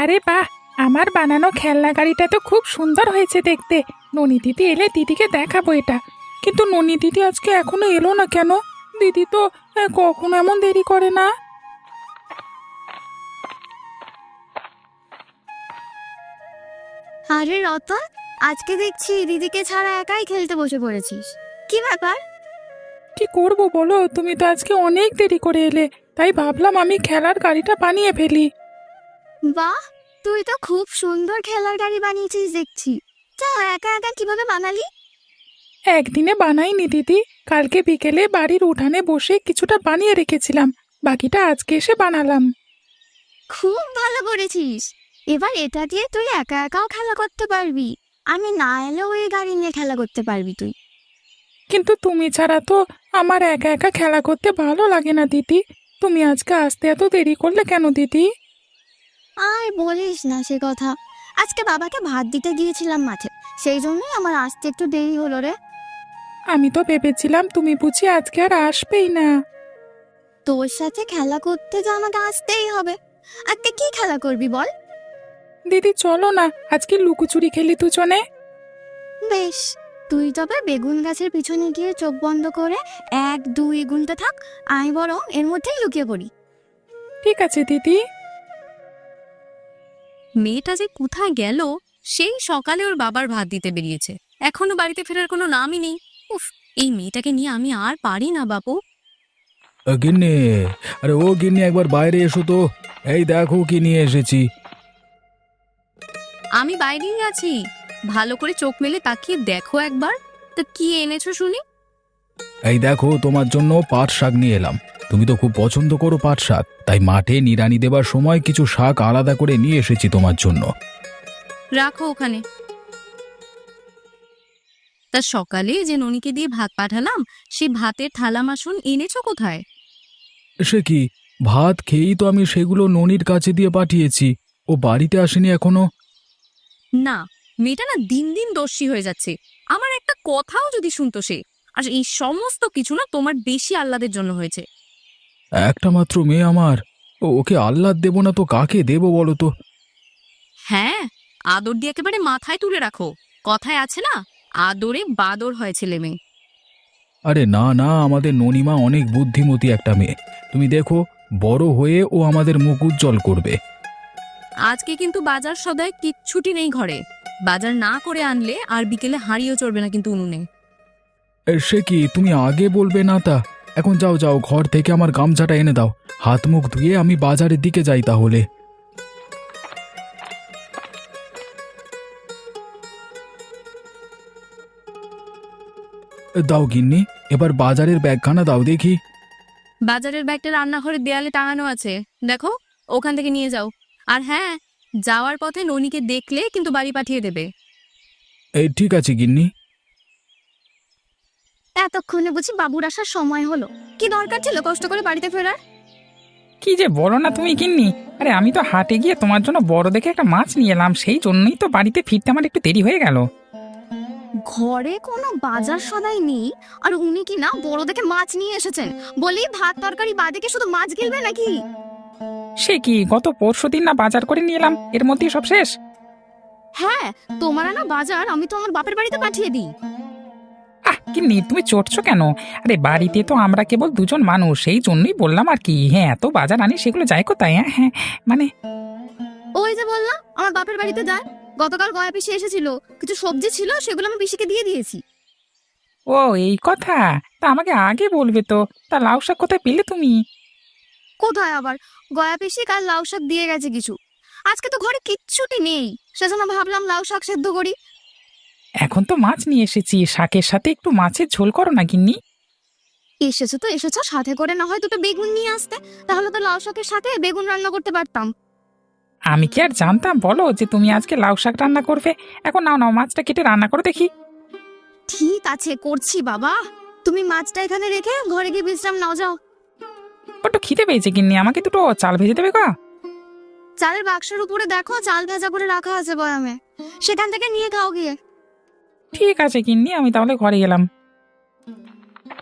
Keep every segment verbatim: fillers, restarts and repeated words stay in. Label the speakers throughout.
Speaker 1: আরে বাহ, আমার বানানো খেলনা গাড়িটা তো খুব সুন্দর হয়েছে দেখতে। ননি দিদি এলে দিদিকে দেখাবো এটা। কিন্তু ননি দিদি আজকে এখনো এলো না কেন? দিদি তো আহ, কখনো এমন দেরি করে না।
Speaker 2: আরে রতন, আজকে দেখছি দিদিকে ছাড়া একাই খেলতে বসে পড়েছিস। কি ব্যাপার?
Speaker 1: কি করব বলো, তুমি তো আজকে অনেক দেরি করে এলে, তাই ভাবলাম আমি খেলার গাড়িটা বানিয়ে ফেলি।
Speaker 2: বাহ, তুই তো খুব সুন্দর খেলার গাড়ি বানিয়েছিস দেখছি। তা একা একা কিভাবে বানালি?
Speaker 1: একদিনে বানাইনি দিদি, কালকে বিকেলে বাড়ির উঠানে বসে কিছুটা বানিয়ে রেখেছিলাম, বাকিটা আজকে এসে বানালাম।
Speaker 2: খুব ভালো করেছিস। এবার এটা দিয়ে তুই একা একাও খেলা করতে পারবি। আমি না এলেও এই গাড়ি নিয়ে খেলা করতে পারবি তুই।
Speaker 1: কিন্তু তুমি ছাড়া তো আমার একা একা খেলা করতে ভালো লাগে না দিদি। তুমি আজকে আসতে এত দেরি করলে কেন দিদি?
Speaker 2: আর বলিস না সে কথা। আজকে বাবাকে ভাত দিতে গিয়েছিলাম মাঠে, সেই জন্যই আমার আসতে একটু দেরি হলো রে।
Speaker 1: আমি তো ভেবেছিলাম তুমি বুঝি আজকে আর আসবেই না।
Speaker 2: তোর সাথে খেলা করতে তো আমাকে আসতেই হবে। আজকে কি খেলা করবি বল?
Speaker 1: দিদি চলো না, আজকে লুকোচুরি খেলি দুজনে।
Speaker 2: বেশ, তুই তবে বেগুন গাছের পিছনে গিয়ে চোখ বন্ধ করে এক দুই গুনতে থাক, আমি বরং এর মধ্যেই লুকিয়ে পড়ি।
Speaker 1: ঠিক আছে দিদি।
Speaker 3: মেয়েটা যে কোথায় গেল? সেই সকালে ওর বাবার ভাত দিতে বেরিয়েছে, এখনো বাড়িতে ফেরার কোনো নামই নেই। উফ, এই মেয়েটাকে নিয়ে আমি আর পারি না বাপু।
Speaker 4: আ, গিন্নি, আরে ও গিন্নি, একবার বাইরে এসো তো। এই দেখো কি নিয়ে এসেছি।
Speaker 3: আমি বাইরেই আছি, ভালো করে চোখ মেলে তাকিয়ে দেখো একবার। তা কি এনেছো শুনি?
Speaker 4: এই দেখো, তোমার জন্য পাট শাক নিয়ে এলাম। তুমি তো খুব পছন্দ করো পাট শাক, তাই মাঠে নিড়ানি দেবার সময় কিছু শাক আলাদা করে নিয়ে এসেছি তোমার জন্য।
Speaker 3: রাখো ওখানে। তা সকালে যে ননিকে দিয়ে ভাত পাঠালাম, সেই ভাতের থালা বাসন এনেছো কোথায়?
Speaker 4: সে কি, ভাত খেয়েই তো আমি সেগুলো ননির কাছে দিয়ে পাঠিয়েছি। ও বাড়িতে আসেনি এখনো।
Speaker 3: না, মেয়েটা না দিন দিন দোষী হয়ে যাচ্ছে। আমার একটা কথাও যদি শুনতো সে। আর এই সমস্ত কিছু না তোমার বেশি আহ্লাদের জন্য হয়েছে।
Speaker 4: একটা মাত্র মেয়ে আমার, ও ওকে আহ্লাদ দেবো না তো কাকে দেবো বলো তো?
Speaker 3: হ্যাঁ, আদর দিয়ে একেবারে মাথায় তুলে রাখো। কথায় আছে না, আদরে বাদর হয় ছেলে মেয়ে।
Speaker 4: আরে না না, আমাদের ননিমা অনেক বুদ্ধিমতী একটা মেয়ে। তুমি দেখো, বড় হয়ে ও আমাদের মুখ উজ্জ্বল করবে।
Speaker 3: আজকে কিন্তু বাজার সদায় কিচ্ছুটি নেই ঘরে। বাজার না করে আনলে আর বিকেলে হাঁড়িও চড়বে না কিন্তু উনুনে।
Speaker 4: এ, সে কি, তুমি আগে বলবে না তা? এখন যাও যাও, ঘর থেকে আমার গামছাটা এনে দাও। হাত মুখ ধুয়ে আমি বাজারের দিকে যাই তাহলে। দাও গিন্নি, এবার বাজারের ব্যাগখানা দাও দেখি।
Speaker 3: বাজারের ব্যাগটা রান্নাঘরের দেয়ালে টাঙানো আছে, দেখো, ওখান থেকে নিয়ে যাও। আর হ্যাঁ, যাওয়ার পথে ননিকে দেখলে কিন্তু বাড়ি পাঠিয়ে দেবে।
Speaker 4: এই ঠিক আছে গিন্নি।
Speaker 2: এতক্ষণে বুঝি বাবুর আসার সময় হলো? কি দরকার ছিল কষ্ট করে বাড়িতে ফেরার?
Speaker 1: কি যে বলো না তুমি গিন্নি, আরে আমি তো হাটে গিয়ে তোমার জন্য বড় দেখে একটা মাছ নিয়ে এলাম, সেই জন্যই তো বাড়িতে ফিরতে আমার একটু দেরি হয়ে গেল।
Speaker 2: ঘরে কোনো বাজার সদাই নেই, আর উনি কি না বড় দেখে মাছ নিয়ে এসেছেন? বলি ভাত তরকারি বাদে কি শুধু মাছ গিলবে নাকি?
Speaker 1: সে কি, গত পরশু দিন না বাজার করে নিয়ে এলাম, এর মধ্যেই সব শেষ?
Speaker 2: হ্যাঁ, তোমার আনা বাজার আমি তো আমার বাপের বাড়িতে পাঠিয়ে দিই।
Speaker 1: আহ গিন্নি, তুমি চটছো কেন? আরে বাড়িতে তো আমরা কেবল দুজন মানুষ, সেই জন্যই বললাম আর কি। হ্যাঁ, এত বাজার আনি সেগুলো যায় কোথায়? হ্যাঁ হ্যাঁ, মানে
Speaker 2: ওই যে বললাম আমার বাপের বাড়িতে যায়। গতকাল গয়া পিসি এসেছিল, কিছু সবজি ছিল, সেগুলো আমি পিসিকে দিয়ে দিয়েছি।
Speaker 1: ও এই কথা, তা আমাকে আগে বলবে তো। তা লাউ শাক কোথায় পেলে তুমি?
Speaker 2: কোথায় আবার, গয়া পিসি কাল লাউ শাক দিয়ে গেছে কিছু। আজকে তো ঘরে কিচ্ছুটি নেই, সেজন্য ভাবলাম লাউ শাক সেদ্ধ করি।
Speaker 1: এখন তো মাছ নিয়ে এসেছি, শাকের সাথে একটু মাছের ঝোল করো না গিন্নি।
Speaker 2: এসেছো তো এসেছো, সাথে করে না হয় দুটো বেগুন নিয়ে আসতে, তাহলে তো লাউ শাকের সাথে বেগুন রান্না করতে পারতাম।
Speaker 1: আমি কি আর জানতাম বলো যে তুমি আজকে লাউ শাক রান্না করবে? এখন নাও নাও, মাছটা কেটে রান্না করো দেখি।
Speaker 2: ঠিক আছে, করছি বাবা। তুমি মাছটা এখানে রেখে ঘরে গিয়ে বিশ্রাম নাও, যাও।
Speaker 1: একটু খিদে পেয়েছে গিন্নি, আমাকে দুটো চাল ভেজে দেবে গা?
Speaker 2: চালের বাক্সের উপরে দেখো, চাল ভেজা করে রাখা আছে বয়ামে, সেখান থেকে নিয়ে খাও গিয়ে।
Speaker 1: ঠিক আছে গিন্নি, আমি তাহলে ঘরে গেলাম।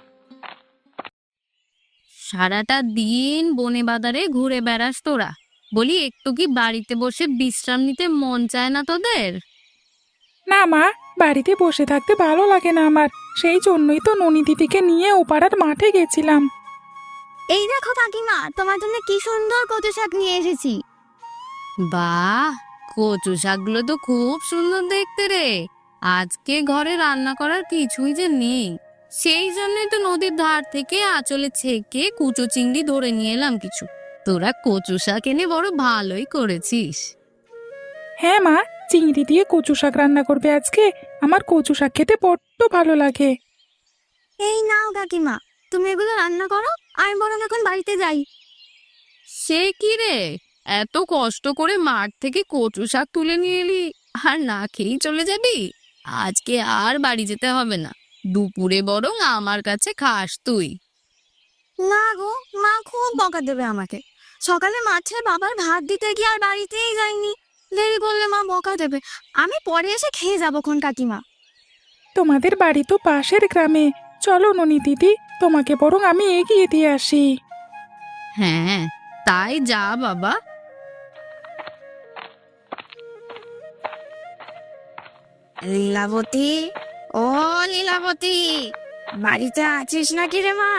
Speaker 3: সারাটা দিন বনে বাজারে ঘুরে বেড়াস তোরা, বলি একটু কি বাড়িতে বসে বিশ্রাম নিতে মন চায় না তোদের?
Speaker 1: না মা, বাড়িতে বসে থাকতে ভালো লাগে না আমার, সেই জন্যই তো ননি দিদিকে নিয়ে ও পাড়ার মাঠে গেছিলাম।
Speaker 2: এই দেখো কাকিমা, তোমার জন্য কি সুন্দর কচু শাক নিয়ে এসেছি।
Speaker 3: বাহ, কচু শাকগুলো তো খুব সুন্দর দেখতে রে। আজকে ঘরে রান্না করার কিছুই যে নেই, সেই জন্যই তো নদীর ধার থেকে আঁচলে ছেঁকে কুচো চিংড়ি ধরে নিয়ে এলাম কিছু। তোরা কচু শাক এনে বড় ভালোই করেছিস।
Speaker 1: হ্যাঁ মা, চিংড়ি দিয়ে কচু শাক রান্না করবে আজকে। আমার কচু শাক খেতে বড্ড ভালো লাগে।
Speaker 2: এই নাও কাকিমা, তুমি এগুলো রান্না করো, আমি বরং এখন বাড়িতে যাই।
Speaker 3: সে কি রে, এত কষ্ট করে মাঠ থেকে কচু শাক তুলে নিয়ে এলি আর না খেয়েই চলে যাবি? আজকে আর বাড়ি যেতে হবে না, দুপুরে বরং আমার কাছে খাস তুই।
Speaker 2: না গো, মা খুব বকা দেবে আমাকে। সকালে মাঠে বাবার ভাত দিতে গিয়ে আর বাড়িতেই যাইনি, দেরি করলে মা বকা দেবে। আমি পরে এসে খেয়ে যাবো খন কাকিমা।
Speaker 1: তোমাদের বাড়ি তো পাশের গ্রামে, চলো ননি দিদি, তোমাকে বরং আমি এগিয়ে দিয়ে আসি।
Speaker 3: হ্যাঁ, তাই যা বাবা।
Speaker 2: লীলাবতী, ও লীলাবতী, বাড়িতে আছিস নাকি রে মা?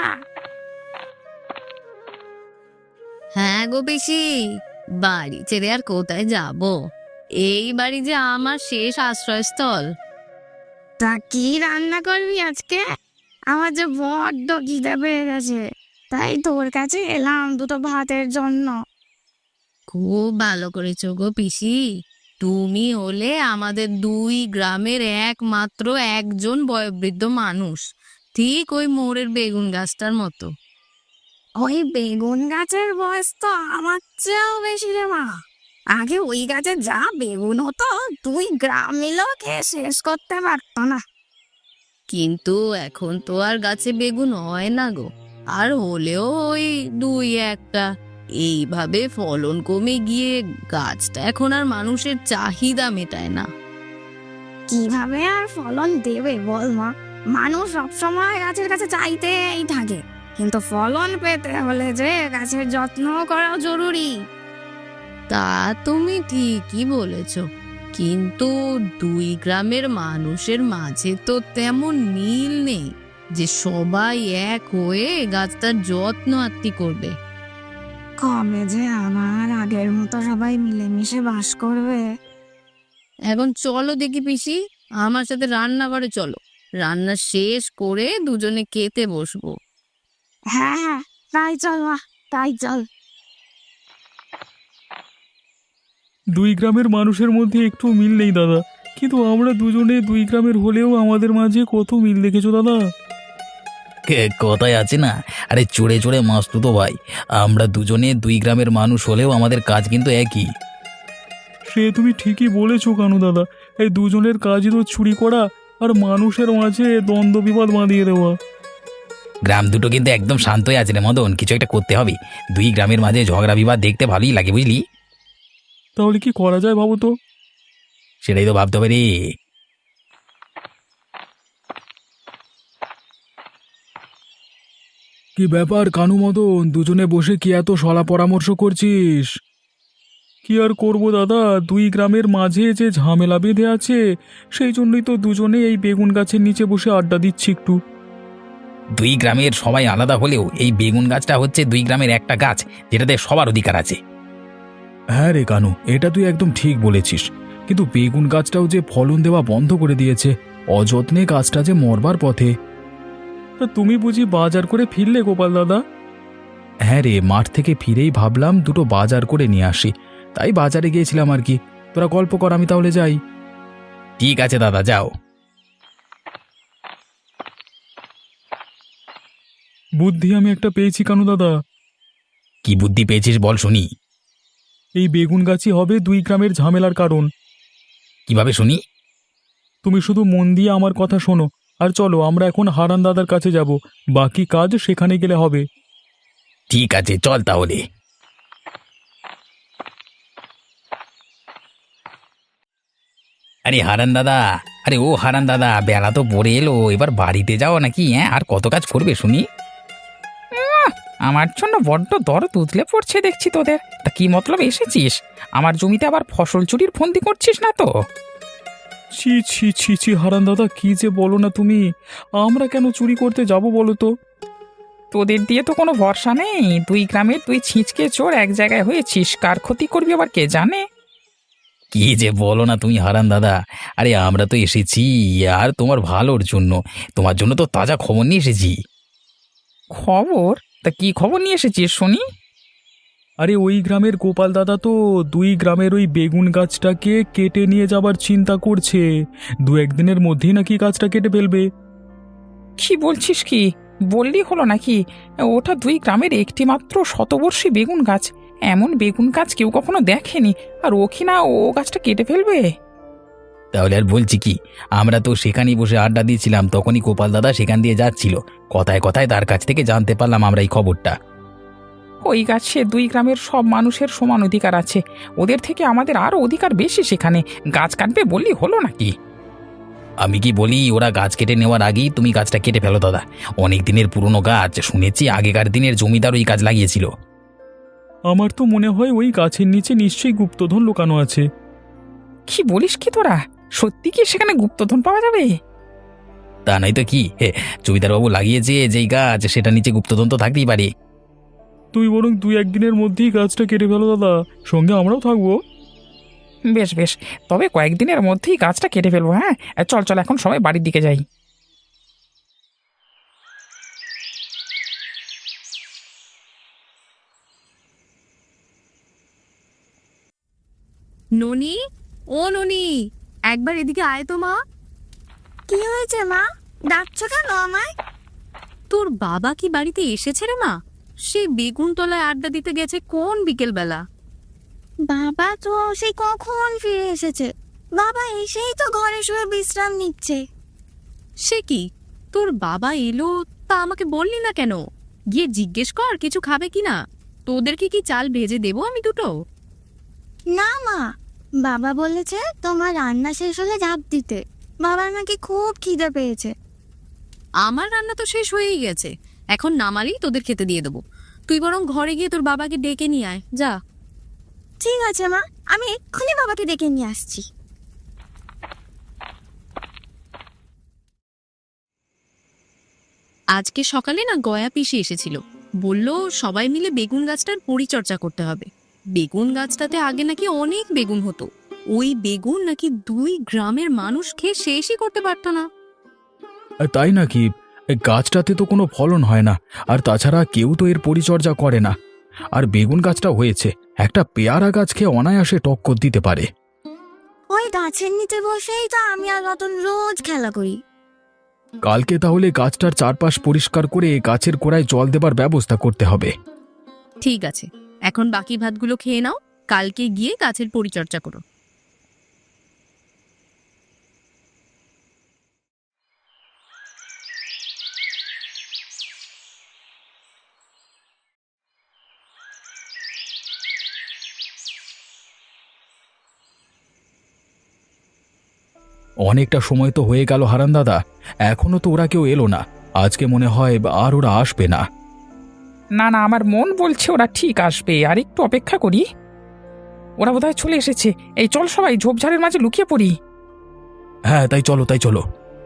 Speaker 3: হ্যাঁ গো পিসি, বাড়ি ছেড়ে আর কোথায় যাব, এই বাড়ি যে আমার শেষ আশ্রয়স্থল।
Speaker 2: তা কি রান্না করবি আজকে? আমার যে বড্ড খিদে পেয়ে গেছে, তাই তোর কাছে এলাম দুটো ভাতের জন্য।
Speaker 3: খুব ভালো করেছো গো পিসি, তুমি হলে আমাদের দুই গ্রামের একমাত্র একজন বয়োবৃদ্ধ মানুষ, ঠিক ওই মোড়ের বেগুন গাছটার মতো।
Speaker 2: ওই বেগুন গাছের বয়স তো আমার চেয়েও বেশি রে মা। আগে ওই গাছে যা বেগুন হতো, তুই গ্রাম মিলেও খেয়ে শেষ করতে পারতো না।
Speaker 3: কিন্তু এখন তো আর গাছে বেগুন হয় না গো, আর হলেও ওই দুই একটা। এইভাবে ফলন কমে গিয়ে গাছটা এখন আর মানুষের চাহিদা মেটায় না।
Speaker 2: কিভাবে আর ফলন দেবে বল মা? মানুষ সবসময় গাছের কাছে চাইতেই থাকে, কিন্তু ফলন পেতে হলে যে গাছের যত্ন করাও জরুরি।
Speaker 3: তা তুমি ঠিকই বলেছ, কিন্তু দুই গ্রামের মানুষের মাঝে তো তেমন মিল নেই যে সবাই এক হয়ে গাছটার যত্ন আত্তি করবে।
Speaker 2: কবে যে আমার আগের মতো সবাই মিলেমিশে বাস করবে।
Speaker 3: এখন চলো দেখি পিসি, আমার সাথে রান্নাঘরে চলো, রান্না শেষ করে দুজনে খেতে বসবো।
Speaker 2: হ্যাঁ হ্যাঁ, তাই চল মা, তাই চল।
Speaker 5: দুই গ্রামের মানুষের মধ্যে একটু মিল নেই দাদা, কিন্তু আমরা দুজনে দুই গ্রামের হলেও আমাদের মাঝে কত মিল দেখেছো দাদা।
Speaker 4: কে- কথায় আছে না, আরে চড়ে চড়ে মাস্তু তো ভাই, আমরা দুজনে দুই গ্রামের মানুষ হলেও আমাদের কাজ কিন্তু একই।
Speaker 5: সে তুমি ঠিকই বলেছো কানু দাদা, এই দুজনের কাজই তো চুরি করা আর মানুষের মাঝে দ্বন্দ্ব বিবাদ বাঁধিয়ে দেওয়া।
Speaker 4: গ্রাম দুটো কিন্তু একদম শান্তই আছে রে মদন, কিছু একটা করতে হবে। দুই গ্রামের মাঝে ঝগড়া বিবাদ দেখতে ভালোই লাগে, বুঝলি?
Speaker 5: তাহলে কি করা যায় ভাবো তো।
Speaker 4: সেটাই তো ভাবতে হবে রে।
Speaker 5: কি ব্যাপার কানু মদন, দুজনে বসে কি এত সলা পরামর্শ করছিস? কি আর করব দাদা, দুই গ্রামের মাঝে যে ঝামেলা বেঁধে আছে, সেই জন্যই তো দুজনে এই বেগুন গাছের নিচে বসে আড্ডা দিচ্ছি একটু।
Speaker 4: দুই গ্রামের সবাই আলাদা হলেও এই বেগুন গাছটা হচ্ছে দুই গ্রামের একটা গাছ, যেটাতে সবার অধিকার আছে।
Speaker 5: হ্যাঁ রে কানু, এটা তুই একদম ঠিক বলেছিস, কিন্তু বেগুন গাছটাও যে ফলন দেওয়া বন্ধ করে দিয়েছে, অযত্নে গাছটা যে মরবার পথে। তা তুমি বুঝি বাজার করে ফিরলে গোপাল দাদা? হ্যাঁ রে, মাঠ থেকে ফিরেই ভাবলাম দুটো বাজার করে নিয়ে আসি, তাই বাজারে গিয়েছিলাম আর কি। তোরা গল্প কর, আমি তাহলে যাই।
Speaker 4: ঠিক আছে দাদা, যাও।
Speaker 5: বুদ্ধি আমি একটা পেয়েছি কানু দাদা।
Speaker 4: কি বুদ্ধি পেয়েছিস বল শুনি।
Speaker 5: এই বেগুন গাছই হবে দুই গ্রামের ঝামেলার কারণ।
Speaker 4: কিভাবে শুনি?
Speaker 5: তুমি শুধু মন দিয়ে আমার কথা শোনো, আর চলো আমরা এখন হারান দাদার কাছে যাব, বাকি কাজ সেখানে গেলে হবে।
Speaker 4: ঠিক আছে, চল তাহলে। আরে হারান দাদা, আরে ও হারান দাদা, বেলা তো পড়ে এলো, এবার বাড়িতে যাও নাকি? হ্যাঁ, আর কত কাজ করবে শুনি?
Speaker 1: আমার জন্য বড্ড দরদ উতলে পড়ছে দেখছি তোদের। তা কি মতলব এসেছিস? আমার জমিতে আবার ফসল চুরির ফন্দি করছিস না তো?
Speaker 5: ছি ছি ছি ছি হারান দাদা, কি যে বলো না তুমি। আমরা কেন চুরি করতে যাব বলো তো?
Speaker 1: তোদের দিয়ে তো কোনো ভরসা নেই। দুই গ্রামের তুই ছিঁচকে চোর এক জায়গায় হয়েছিস, কার ক্ষতি করবি আবার কে জানে।
Speaker 4: কি যে বলো না তুমি হারান দাদা, আরে আমরা তো এসেছি আর তোমার ভালোর জন্য, তোমার জন্য তো তাজা খবর নিয়ে এসেছি।
Speaker 1: খবর? তা কি খবর নিয়ে এসেছিস শুনি?
Speaker 5: আরে ওই গ্রামের গোপাল দাদা তো দুই গ্রামের ওই বেগুন গাছটাকে কেটে নিয়ে যাবার চিন্তা করছে। দু একদিনের মধ্যেই নাকি গাছটা কেটে ফেলবে।
Speaker 1: কি বলছিস কি? বললি হলো নাকি? ওটা দুই গ্রামের একটি মাত্র শতবর্ষী বেগুন গাছ। এমন বেগুন গাছ কেউ কখনো দেখেনি, আর ও কি না ও গাছটা কেটে ফেলবে?
Speaker 4: তাহলে আর বলছি কি, আমরা তো সেখানেই বসে আড্ডা দিয়েছিলাম, তখনই গোপাল দাদা সেখান দিয়ে যাচ্ছিল। কথায় কথায় তার কাছ থেকে জানতে পারলাম আমরা এই খবরটা।
Speaker 1: ওই গাছে দুই গ্রামের সব মানুষের সমান অধিকার আছে, ওদের থেকে আমাদের আরও অধিকার বেশি। সেখানে গাছ কাটবে বললি হলো নাকি?
Speaker 4: আমি কি বলি, ওরা গাছ কেটে নেওয়ার আগেই তুমি গাছটা কেটে ফেলো দাদা। অনেক দিনের পুরনো গাছ, শুনেছি আগেকার দিনের জমিদার ওই গাছ লাগিয়েছিল।
Speaker 5: আমার তো মনে হয় ওই গাছের নিচে নিশ্চয়ই গুপ্তধন লুকানো আছে।
Speaker 1: কি বলিস কি তোরা? সত্যি কি সেখানে গুপ্তধন পাওয়া যাবে?
Speaker 4: তা নাই তো কি, হে, জমিদারবাবু লাগিয়েছে যেই গাছ, সেটা নিচে গুপ্তধন তো থাকতেই পারে।
Speaker 5: তুই বরং দুই একদিনের মধ্যেই গাছটা কেটে ফেলো দাদা, সঙ্গে আমরাও থাকবো।
Speaker 1: বেশ বেশ, তবে কয়েকদিনের মধ্যেই গাছটা কেটে ফেলবো। হ্যাঁ চল চল, এখন সবাই বাড়ির দিকে যাই।
Speaker 3: ননি, ও ননি, একবার এদিকে আয় তো মা।
Speaker 2: কি হয়েছে মা? ডাকছো কেন আমায়?
Speaker 3: তোর বাবা কি বাড়িতে এসেছে রে মা? সে বেগুন তলায় আড্ডা দিতে গেছে কোন বিকেল বেলা।
Speaker 2: বাবা তো সেই কখন ফিরে এসেছে। বাবা এসেই তো ঘরে শুয়ে বিশ্রাম নিচ্ছে।
Speaker 3: সে কি, তোর বাবা এলো তা আমাকে বললি না কেন? গিয়ে জিজ্ঞেস কর কিছু খাবে কিনা। তোদেরকে কি চাল ভেজে দেবো আমি দুটো?
Speaker 2: না মা, বাবা বলেছে তোমার রান্না শেষ হলে ঝাঁপ দিতে। বাবার নাকি খুব খিদে পেয়েছে।
Speaker 3: আমার রান্না তো শেষ হয়েই গেছে, এখন নামালেই তোদের খেতে দিয়ে দেবো। তুই বরং ঘরে গিয়ে তোর বাবাকে ডেকে নিয়ে আয় যা।
Speaker 2: ঠিক আছে মা, আমি এক্ষুনি বাবাকে ডেকে নিয়ে আসছি।
Speaker 3: আজকে সকালে না গয়া পিসি এসেছিল, বলল সবাই মিলে বেগুন গাছটার পরিচর্যা করতে হবে। বেগুন গাছটাতে আগে নাকি অনেক বেগুন হতো, ওই বেগুন নাকি দুই গ্রামের মানুষ খেয়ে শেষই করতে পারতো না।
Speaker 5: আর তাই নাকি? এই গাছটাতে তো কোনো ফলন হয় না, আর তাছাড়া কেউ তো এর পরিচর্যা করে না। আর বেগুন গাছটা হয়েছে, একটা পেয়ারা গাছ খেয়ে অনায়াসে টক্কর দিতে পারে।
Speaker 2: ওই গাছের নিচে বসেই তো আমি আর রতন রোজ খেলা করি।
Speaker 5: কালকে তাহলে গাছটার চারপাশ পরিষ্কার করে গাছের গোড়ায় জল দেবার ব্যবস্থা করতে হবে।
Speaker 3: ঠিক আছে, এখন বাকি ভাতগুলো খেয়ে নাও, কালকে গিয়ে গাছের পরিচর্যা করো।
Speaker 5: অনেকটা সময় তো হয়ে গেল হারান দাদা, এখনো তো ওরা কেউ এলো না। আজকে মনে হয় আর ওরা আসবে না।
Speaker 1: না না, আমার মন বলছে ওরা ঠিক আসবে, আর একটু অপেক্ষা করি। ওরা বোধহয় চলে এসেছে। এই চল সবাই ঝোপঝাড়ের মাঝে লুকিয়ে পড়ি।
Speaker 5: হ্যাঁ তাই চলো, তাই চলো।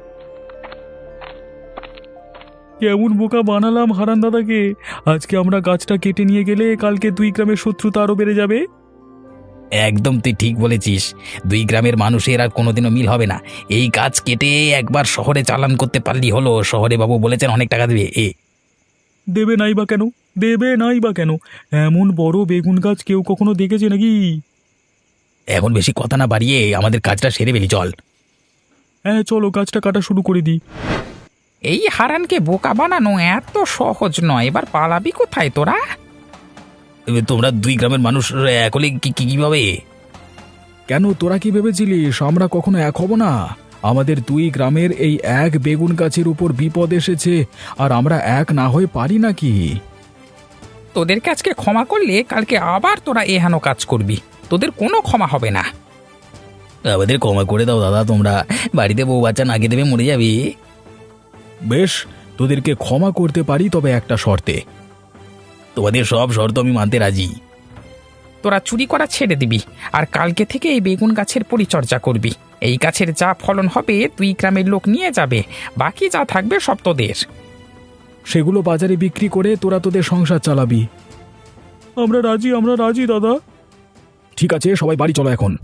Speaker 5: কেমন বোকা বানালাম হারান দাদাকে। আজকে আমরা গাছটা কেটে নিয়ে গেলে কালকে দুই গ্রামের শত্রুতা আরো বেড়ে যাবে।
Speaker 4: একদম তুই ঠিক বলেছিস, দুই গ্রামের মানুষের আর কোনোদিনও মিল হবে না। এই গাছ কেটে একবার শহরে চালান করতে পারলি হলো, শহরে বাবু বলেছেন অনেক টাকা দেবে। এ
Speaker 5: দেবে নাই বা কেন? দেবে নাই বা কেন? এমন বড় বেগুন গাছ কেউ কখনো দেখেছে নাকি?
Speaker 4: এখন বেশি কথা না বাড়িয়ে আমাদের কাজটা সেরে ফেলি, চল।
Speaker 5: হ্যাঁ চলো, গাছটা কাটা শুরু করে দিই।
Speaker 1: এই হারানকে বোকা বানানো এত সহজ নয়। এবার পালাবি কোথায় তোরা?
Speaker 4: এ, তোমরা দুই গ্রামের মানুষ এক হলে কি কি- কিভাবে?
Speaker 5: কেন, তোরা কি ভেবেছিলিস আমরা কখনো এক হব না? আমাদের দুই গ্রামের এই এক বেগুন গাছের উপর বিপদ এসেছে, আর আমরা এক না হয়ে পারি নাকি?
Speaker 1: তোদেরকে আজকে ক্ষমা করলে কালকে আবার তোরা এহেন কাজ করবি, তোদের কোনো ক্ষমা হবে না।
Speaker 4: আমাদের ক্ষমা করে দাও দাদা, তোমরা বাড়িতে বউ বাচ্চা নাকি দেবে মরে যাবে।
Speaker 5: বেশ, তোদেরকে ক্ষমা করতে পারি, তবে একটা শর্তে।
Speaker 4: তোমাদের সব শর্ত আমি মানতে রাজি।
Speaker 1: তোরা চুরি করা ছেড়ে দিবি আর কালকে থেকে এই বেগুন গাছের পরিচর্যা করবি। এই গাছের যা ফলন হবে দুই গ্রামের লোক নিয়ে যাবে, বাকি যা থাকবে সব তোদের।
Speaker 5: সেগুলো বাজারে বিক্রি করে তোরা তোদের সংসার চালাবি। আমরা রাজি, আমরা রাজি দাদা। ঠিক আছে, সবাই বাড়ি চলো এখন।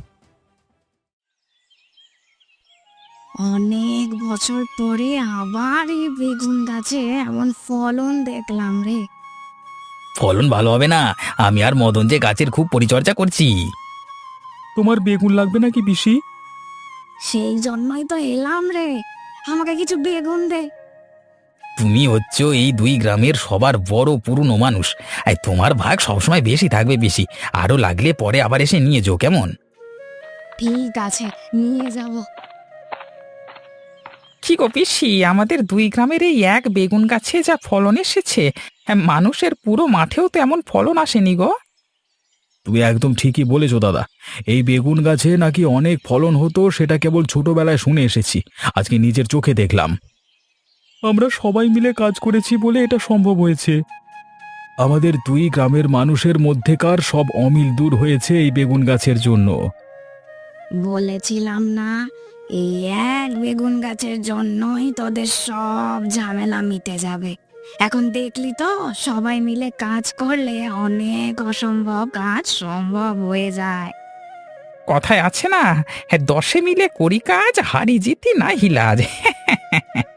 Speaker 2: অনেক বছর পরে আবার এই বেগুন গাছে এমন ফলন দেখলাম রে।
Speaker 4: ফলন ভালো হবে না? আমি আর মদন যে গাছের খুব পরিচর্যা করছি।
Speaker 5: তোমার বেগুন লাগবে নাকি পিসি?
Speaker 2: সেই জন্যই তো এলাম রে, আমাকে কিছু বেগুন দে।
Speaker 4: তুমি হচ্ছ এই দুই গ্রামের সবার বড় পুরনো মানুষ, আর তোমার ভাগ সবসময় বেশি থাকবে। বেশি আরো লাগলে পরে আবার এসে নিয়ে যাও, কেমন?
Speaker 2: ঠিক আছে, নিয়ে যাব।
Speaker 1: কি গো পিসি, আমাদের দুই গ্রামের এই এক বেগুন গাছে যা ফলন এসেছে, হ্যাঁ, মানুষের পুরো মাঠেও তো এমন ফলন আসেনি গো।
Speaker 5: তুমি একদম ঠিকই বলেছো দাদা। এই বেগুন গাছে নাকি অনেক ফলন হতো, সেটা কেবল ছোটবেলায় শুনে এসেছি, আজকে নিজের চোখে দেখলাম। আমরা সবাই মিলে কাজ করেছি বলে এটা সম্ভব হয়েছে। আমাদের দুই গ্রামের মানুষের মধ্যেকার সব অমিল দূর হয়েছে এই বেগুন গাছের জন্য।
Speaker 2: বলেছিলাম না, এই এক বেগুন গাছের জন্যই তোদের সব ঝামেলা মিটে যাবে। এখন দেখলি তো, সবাই মিলে কাজ করলে অনেক অসম্ভব কাজ সম্ভব হয়ে যায়।
Speaker 1: কথায় আছে না, হ্যাঁ, দশে মিলে করি কাজ, হারি জিতি না হিলাজ।